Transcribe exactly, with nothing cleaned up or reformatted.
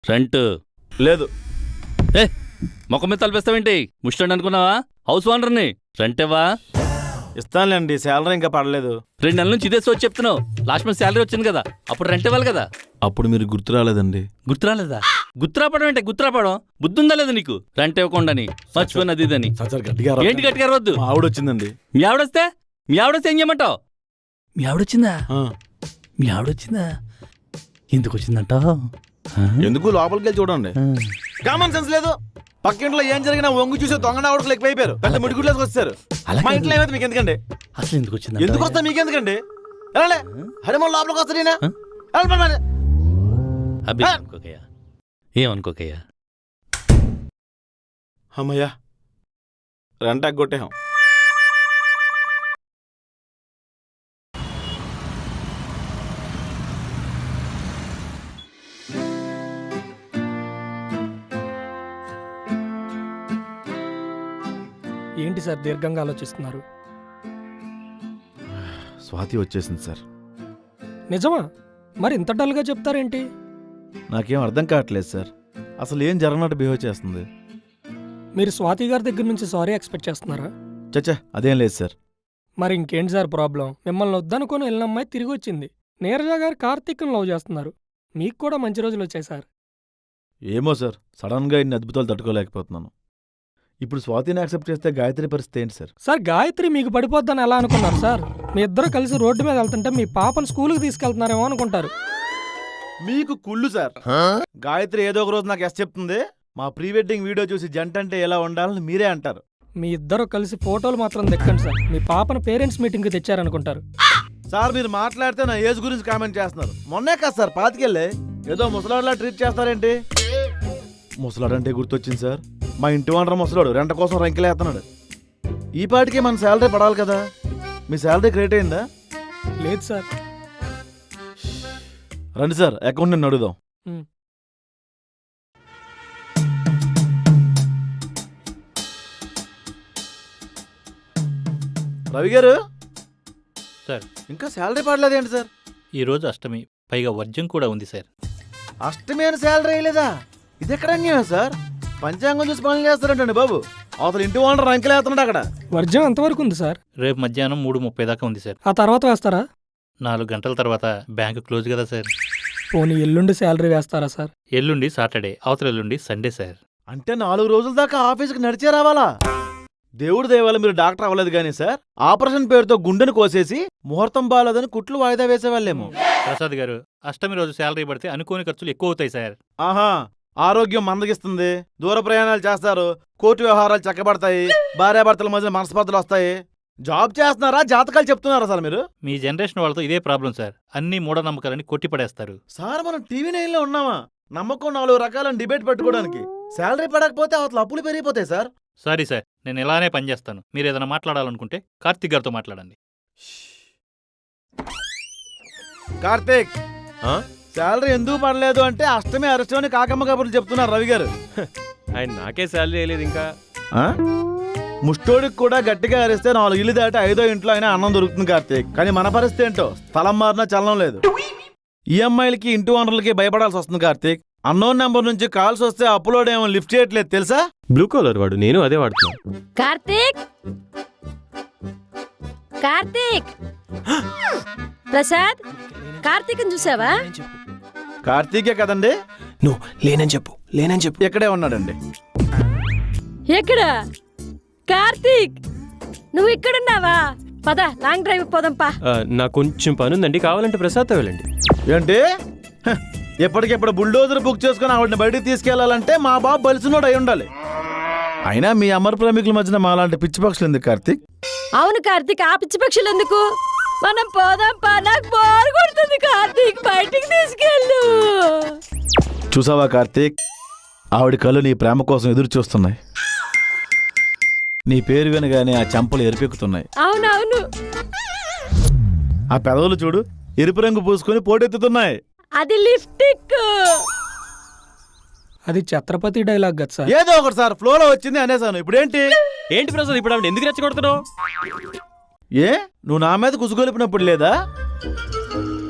Rent లేదు. ఏ మొక్క మీద తలపిస్తావేంటి? ముష్టండి అనుకున్నావా? హౌస్ ఓనర్ని. రెంట్ ఇవ్వా? ఇస్తానులేండి, శాలరీ ఇంకా పడలేదు. రెండు నెలల నుంచి ఇదే సోచి చెప్తున్నావు. లాస్ట్ మంత్ శాలరీ వచ్చింది కదా, అప్పుడు రెంట్ ఇవ్వాలి కదా. అప్పుడు మీరు గుర్తు రాలేదండి. గుర్తురాలేదా? గుర్తురాపడం ఏంటి? గుర్తురాపడం బుద్ధుందా లేదు నీకు? రెంట్ ఇవ్వకుండాని మర్చిపోయిన అది ఇదని. ఏంటి గట్టిగా వద్దు. ఆవిడ వచ్చిందండి. మీ ఆవిడొస్తే మీ ఆవిడొస్తే ఏం చేయమంటావు? మీ ఆవిడొచ్చిందా? మీ ఆవిడొచ్చిందా? ఎందుకు వచ్చిందంట? ఎందుకు లోపలికి వెళ్ళి చూడండి. కామన్ సెన్స్ లేదు. పక్కింట్లో ఏం జరిగినా వంగు చూసే దొంగ ఆవిడకు ఎక్కువైపోయారు. పెద్ద ముడిగుడ్లేసి వచ్చారు. మా ఇంట్లో ఏమైతే మీకు ఎందుకండి? అసలు ఎందుకు వచ్చింది? ఎందుకు వస్తా మీకెందుకండి? హరే మన లోపలికి వస్తాడీనా? అబ్బే అనుకోకయ్యా, ఏమనుకోకయ్యా. అమ్మయ్యా, రెంట్ ఎగ్గొట్టేహం. ఏంటి సార్ దీర్ఘంగా ఆలోచిస్తున్నారు? స్వాతి వచ్చేసింది సార్. నిజమా? మరి ఇంత డల్గా చెప్తారేంటి? నాకేం అర్థం కావట్లేదు సార్. అసలు ఏం జరగనట్టు బిహేవ్ చేస్తుంది. మీరు స్వాతి గారి దగ్గర నుంచి సారీ ఎక్స్పెక్ట్ చేస్తున్నారా? చచ్చా, అదేం లేదు సార్. మరి ఇంకేంటి సార్ ప్రాబ్లం? మిమ్మల్ని వద్దనుకొని వెళ్ళిన అమ్మాయి తిరిగి వచ్చింది. నీరజ గారు కార్తీక్ని లవ్ చేస్తున్నారు. మీకు కూడా మంచి రోజులు వచ్చాయి సార్. ఏమో సార్, సడన్గా ఇన్ని అద్భుతాలు తట్టుకోలేకపోతున్నాను. ఇప్పుడు స్వాతిని యాక్సెప్ట్ చేస్తే గాయత్రి పరిస్థితి ఏంటి సార్? సార్ గాయత్రి మీకు పడిపోద్దని ఎలా అనుకున్నారు సార్? మీ ఇద్దరు కలిసి రోడ్డు మీద వెళ్తుంటే మీ పాపను స్కూల్కి తీసుకెళ్తున్నారేమో అనుకుంటారు. మీకు కుళ్ళు సార్. గాయత్రి ఏదో ఒక రోజు నాకు ఎస్ చెప్తుంది. మా ప్రీ వెడ్డింగ్ వీడియో చూసి జంట అంటే ఎలా ఉండాలని మీరే అంటారు. మీ ఇద్దరు కలిసి ఫోటోలు మాత్రం దక్కండి సార్. మీ పాపను పేరెంట్స్ మీటింగ్కి తెచ్చారనుకుంటారు. సార్ మీరు మాట్లాడితే నా ఏజ్ గురించి కామెంట్ చేస్తున్నారు. మొన్నే కాదు సార్, పాతికెళ్ళే ఏదో ముసలాడులా ట్రీట్ చేస్తారేంటి? ముసలాడంటే గుర్తొచ్చింది సార్. మా ఇంటి వండర ముసలాడు రెంట కోసం రంకెలేస్తున్నాడు. ఈ పాటికి మన శాలరీ పడాలి కదా. మీ శాలరీ క్రియేట్ అయిందా? లేదు సార్. రండి సార్, అకౌంట్ నేను అడుగుదాం. రవి గారు సార్, ఇంకా శాలరీ పడలేదేంటి సార్? ఈరోజు అష్టమి, పైగా వర్జం కూడా ఉంది సార్. అష్టమి అని శాలరీ వేయలేదా? ఇది ఎక్కడ అన్యాయం సార్? పంచాంగం చూసి పనులు చేస్తారంటండి బాబు. అవతల ఇంటి ఓనర్ రంకెలేస్తున్నాడు అక్కడ. వర్జం ఎంతవరకు ఉంది సార్? రేపు మధ్యాహ్నం మూడు ముప్పై దాకా ఉంది సార్. ఆ తర్వాత వేస్తారా? నాలుగు గంటల తర్వాత బ్యాంకు క్లోజ్ కదా సార్. పోనీ ఎల్లుండి శాలరీ వేస్తారా సార్? ఎల్లుండి సాటర్డే, అవతల ఎల్లుండి సండే సార్. అంటే నాలుగు రోజుల దాకా ఆఫీస్కి నడిచే రావాలా? దేవుడి దేవాల మీరు డాక్టర్ అవ్వలేదు కానీ సార్, ఆపరేషన్ పేరుతో గుండెను కోసేసి ముహూర్తం బాలేదని కుట్లు వాయిదా వేసేవాళ్ళేమో. ప్రసాద్ గారు, అష్టమి రోజు శాలరీ పడితే అనుకోని ఖర్చులు ఎక్కువ అవుతాయి సార్. ఆహా, ఆరోగ్యం మందగిస్తుంది, దూర ప్రయాణాలు చేస్తారు, కోర్టు వ్యవహారాలు చక్కబడతాయి, భార్యాభర్తల మధ్య మనస్పర్ధలు వస్తాయి. జాబ్ చేస్తున్నారా, జాతకాలు చెప్తున్నారా సార్ మీరు? మీ జనరేషన్ వాళ్ళతో ఇదే ప్రాబ్లం సార్. అన్ని మూఢనమ్మకాలని కొట్టిపడేస్తారు సార్. మనం టీవీ నైన్ లో ఉన్నామా? నమ్మకం నాలుగు రకాల డిబేట్ పెట్టుకోవడానికి. శాలరీ పడకపోతే అవతల అప్పులు పెరిగిపోతాయి సార్. సారీ సార్, నేను ఇలానే పనిచేస్తాను. మీరు ఏదైనా మాట్లాడాలనుకుంటే కార్తీక్ గారితో మాట్లాడండి. కార్తీక్, శాలరీ ఎందుకు పడలేదు అంటే అష్టమి అరెస్టమని కాకమ్మ కబుర్లు చెప్తున్నారు రవి గారు. ఆయన నాకే శాలరీ వేయలేదు ఇంకా. ముష్టోడికి కూడా గట్టిగా అరిస్తే నాలుగు ఇల్లు దాటి ఐదో ఇంట్లో అయినా అన్నం దొరుకుతుంది కార్తీక్. కానీ మన పరిస్థితి ఏంటో, స్థలం మారినా చలనం లేదు. ఈఎంఐలకి ఇంటి ఓనర్లకి భయపడాల్సి వస్తుంది కార్తీక్. అన్నోన్ నెంబర్ నుంచి కాల్స్ వస్తే అప్లోడ్ ఏమో లిఫ్ట్ చేయట్లేదు తెలుసా? బ్లూ కలర్ వాడు, నేను అదే వాడుతున్నా. కార్తీక్, కార్తీక్, ప్రసాద్, కార్తీక్ చూసావా? కార్తీకే కదండి. నువ్వు లేనని చెప్పు, లేనని చెప్పు. ఎక్కడే ఉన్నాడండి. ఎక్కడ? కార్తీక్, నువ్వు ఇక్కడున్నావా? పద, లాంగ్ డ్రైవ్ పోదాంపా. నాకు కొంచెం పని ఉందండి, కావాలంటే ప్రసాద్తో వెళ్ళండి. ఏంటి? ఎప్పటికెప్పుడు బుల్డోజర్ బుక్ చేసుకుని ఆవిడని బయటికి తీసుకెళ్లాలంటే మా బాబు బలిసినోడు అయి ఉండాలి. అయినా మీ అమర ప్రేమికుల మధ్యన మాలాంటి పిచ్చి పక్షులు ఎందుకు కార్తీక్? అవును కార్తీక్, ఆ పిచ్చి పక్షులు ఎందుకు? మనం పోదాంపా, నాకు బోర్ కొడుతుంది కార్తీక్, బయటికి తీసుకెళ్ళు. చూసావా కార్తీక్, ఆవిడ కళ్ళు నీ ప్రేమ కోసం ఎదురు చూస్తున్నాయి. నీ పేరు వినగానే ఆ చెంపలు ఎరిపెక్కుతున్నాయి. అవునవును, ఆ పెదవులు చూడు, ఎరుపు రంగు పూసుకొని పోటెత్తుతున్నాయి. అది లిప్స్టిక్. అది ఛత్రపతి డైలాగ్ కదా సార్. ఏదో ఒకటి సార్, ఫ్లోలో వచ్చింది అనేసాను. ఇప్పుడేంటి? ఏంటి ప్రసాద్, ఇప్పుడు ఆవిడ ఎందుకు రెచ్చగొడుతున్నావు? ఏ, నువ్వు నా మీద కుసుగొలిపినప్పుడు లేదా?